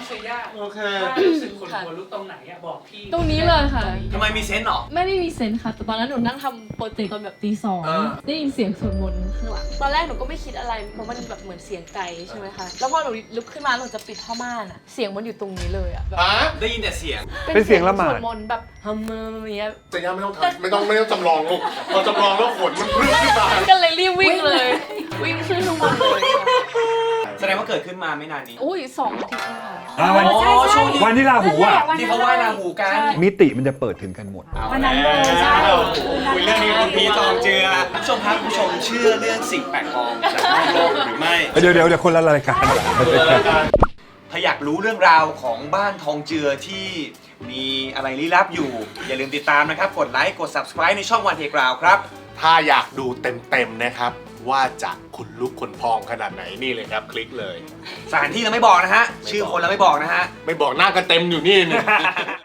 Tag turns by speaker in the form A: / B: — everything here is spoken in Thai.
A: เซย่า
B: โอเค
A: ถ้ารู้สึกขนหัวลุกตรงไหนอะบอกพี่
C: ตรงนี้เลยค่ะ
D: ทำไมมีเซนส์หรอ
C: ไม่ได้มีเซนส์ค่ะ แต่ตอนนั้นหนูนั่งทำโปรเจกต์ตอนแบบตีสอง
D: อ่า
C: ได้ยินเสียงสวดมนต์ข้างหลังตอนแรกหนูก็ไม่คิดอะไรเพราะมันแบบเหมือนเสียงไกลใช่ไหมคะแล้วพอหนูลุกขึ้นมาหนูจะปิดผ้าม่านอะเสียงมันอยู่ตรงนี้เลยอะแบบ
D: ได้ยินแต่เสียง
E: เป็นเสียงละหมาด
C: สวดมนต์แบบฮัมเมอร์อย่างเงี้ย
B: จะย่าไม่ต้องทำไม่ต้องจำลองลูกพอจำลองแล้วขนมันพึ่งขึ้นมา
C: ก็เลยรีบวิ่งเลย วิ่งขึ้นข้างบนเลย
D: แสดงว่าเกิดขึ้นมาไม่นานนี้
C: อุ้ย2 อาทิตย์แล้วค่ะ
E: วัน
D: อ๋อช่วงนี้
E: วันที่ราหูอ่ะ
D: ที่เขาไหว้ราหูกัน
E: มิติมันจะเปิดถึงกันหมด
F: วันนั้นเลยใช่
D: คุยเรื่องนี้คุณพีทองเจือคุณผู้ชมครับคุณผู้ชมเชื่อเรื่องสิ่งแปลกปลอมจากนอกโลกหรือไม่
E: เดี๋ยวคนละรายการ
D: ถ้าอยากรู้เรื่องราวของบ้านทองเจือที่มีอะไรลี้ลับอยู่ อย่าลืมติดตามนะครับ กดไลค์กด subscribe ในช่องวันเทกราวครับ
B: ถ้าอยากดูเต็มๆนะครับ ว่าจะขนลุกขนพองขนาดไหนนี่เลยครับ คลิกเลย
D: สถานที่เราไม่บอกนะฮะ ชื่อคนเราไม่บอกนะฮะ
B: ไม่บอกหน้ากันเต็มอยู่นี่นี่